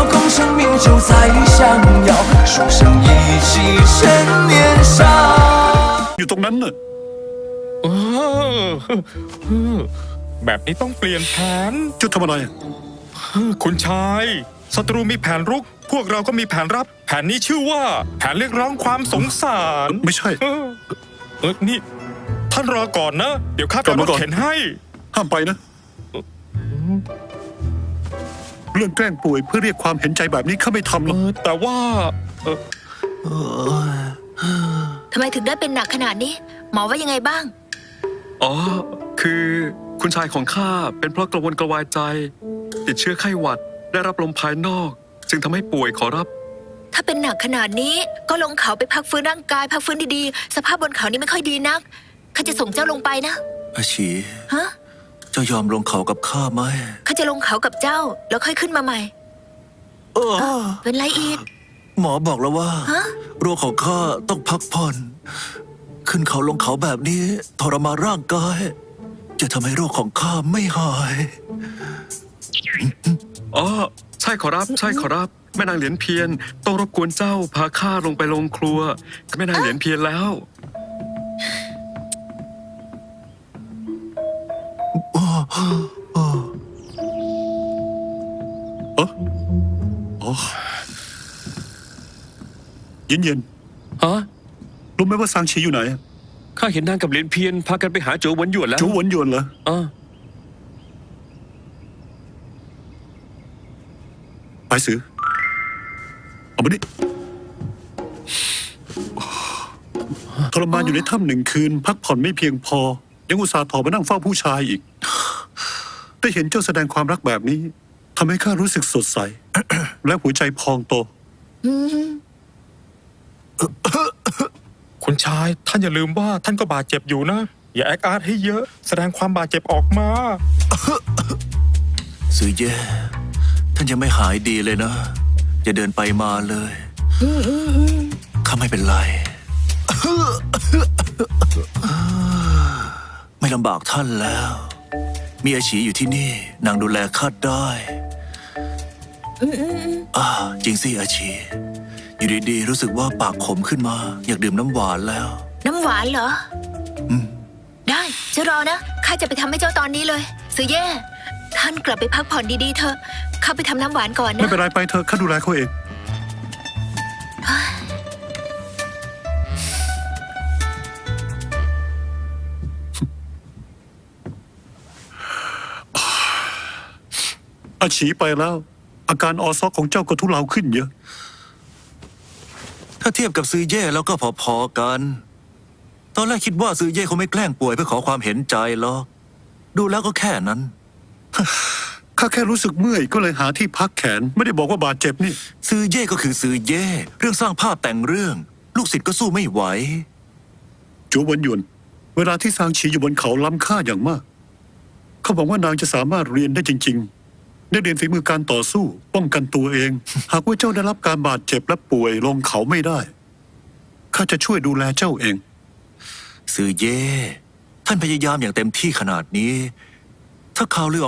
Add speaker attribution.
Speaker 1: 空生命就在相邀，书生意气趁年少。
Speaker 2: อยู่ตรงนั้นน่ะ
Speaker 3: แบบนี้ต้องเปลี่ยนแผน
Speaker 2: จะทำอะไร
Speaker 3: คุณชายศัตรูมีแผนรุก พวกเราก็มีแผนรับ แผนนี้ชื่อว่าแผนเรียกร้องความสงสาร
Speaker 2: ไม่ใช่
Speaker 3: นี่ท่านรอก่อนนะ เดี๋ยวข้าไป
Speaker 2: กลับ
Speaker 3: ร
Speaker 2: มา
Speaker 3: ถ
Speaker 2: ก่อน
Speaker 3: เข็นให้
Speaker 2: ห้ามไปนะ เรื่องแกล้งป่วยเพื่อเรียกความเห็นใจแบบนี้ข้าไม่ทำหรอก
Speaker 3: แต่ว่า
Speaker 4: ทำไมถึงได้เป็นหนักขนาดนี้ หมอว่ายังไงบ้าง
Speaker 5: อ๋อ คือคุณชายของข้าเป็นเพราะกระวนกระวายใจ ติดเชื้อไข้หวัดได้รับลมภายนอก จึงทำให้ป่วยขอรับ
Speaker 4: ถ้าเป็นหนักขนาดนี้ก็ลงเขาไปพักฟื้นร่างกายพักฟื้นดีๆ สภาพบนเขานี่ไม่ค่อยดีนักข้าจะส่งเจ้าลงไปนะ
Speaker 1: อาชี
Speaker 4: ฮะ
Speaker 1: เจ้ายอมลงเขากับข้าไหม
Speaker 4: ข้าจะลงเขากับเจ้าแล้วค่อยขึ้นมาใหม่ เป็นไรอีก
Speaker 1: หมอบอกแล้วว่า
Speaker 4: ฮะ
Speaker 1: โรคของข้าต้องพักผ่อน ขึ้นเขาลงเขาแบบนี้ทรมานร่างกาย จะทำให้โรคของข้าไม่หาย
Speaker 5: อ๋อ ใช่ขอรับ ใช่ขอรับ แม่นางเหรียญเพียรต้องรบกวนเจ้าพาข้าลงไปโรงครัวกับแม่นางเหรียญเพียรแล้ว
Speaker 2: เย็นเย็น
Speaker 6: ฮะ
Speaker 2: ๆรู้ไหมว่าซางชีอยู่ไหน
Speaker 6: ข้าเห็นนางกับเหรียญเพียนพากันไปหาโจวหวนหยวนแล้ว
Speaker 2: จูหวนหยวนเหรอ
Speaker 6: อ่า
Speaker 2: ไปสือเอามาดิทรมานอยู่ในถ้ำ1 คืน พักผ่อนไม่เพียงพอ ยังอุตส่าห์ถอมานั่งเฝ้าผู้ชายอีก ได้เห็นเจ้าแสดงความรักแบบนี้ทำให้ข้ารู้สึกสดใส และหัวใจพองโต
Speaker 3: คุณชายท่านอย่าลืมว่าท่านก็บาดเจ็บอยู่นะ อย่าแอคอาร์ตให้เยอะ แสดงความบาดเจ็บออกมา
Speaker 1: ซื้อแย่ท่านยังไม่หายดีเลยนะอย่าเดินไปมาเลยข้าไม่เป็นไร ไม่ลำบากท่านแล้ว มีอาชีอยู่ที่นี่นางดูแลข้าได้จริงสิอาชีอยู่ดีๆรู้สึกว่าปากขมขึ้นมา อยากดื่มน้ำหวานแล้ว
Speaker 4: น้ำหวานเหรอได้จะรอนะข้าจะไปทำให้เจ้าตอนนี้เลยซื้อแย่ท่านกลับไปพักผ่อนดีๆเถอะข้าไปทำน้ำหวานก่อน
Speaker 2: ไม่
Speaker 4: นะ
Speaker 2: เป็นไรไปเถอะข้าดูแลเขาเอง อาชีไปแล้ว อาการออซอกของเจ้าก็ทุเลาขึ้นเยอะ
Speaker 1: ถ้าเทียบกับซื้อแย่แล้วก็พอๆกัน ตอนแรกคิดว่าซื้อแย่เขาไม่แกล้งป่วยเพื่อขอความเห็นใจหรอกดูแล้วก็แค่นั้น
Speaker 2: ข้าแค่รู้สึกเมื่อยก็เลยหาที่พักแขน ไม่ได้บอกว่าบาดเจ็บนี่
Speaker 1: ซื้อเย่ก็คือซื้อเย่เรื่องสร้างภาพแต่งเรื่อง ลูกศิษย์ก็สู้ไม่ไหว
Speaker 2: จูหวนหยวน เวลาที่ซางชีอยู่บนเขาล้ำค่าอย่างมาก เขาบอกว่านางจะสามารถเรียนได้จริง ๆ ได้เรียนฝีมือการต่อสู้ ป้องกันตัวเอง หากว่าเจ้าได้รับการบาดเจ็บและป่วยลงเขาไม่ได้ ข้าจะช่วยดูแลเจ้าเอง
Speaker 1: ซื้อเย่ท่านพยายามอย่างเต็มที่ขนาดนี้ ถ้าข่าวลือ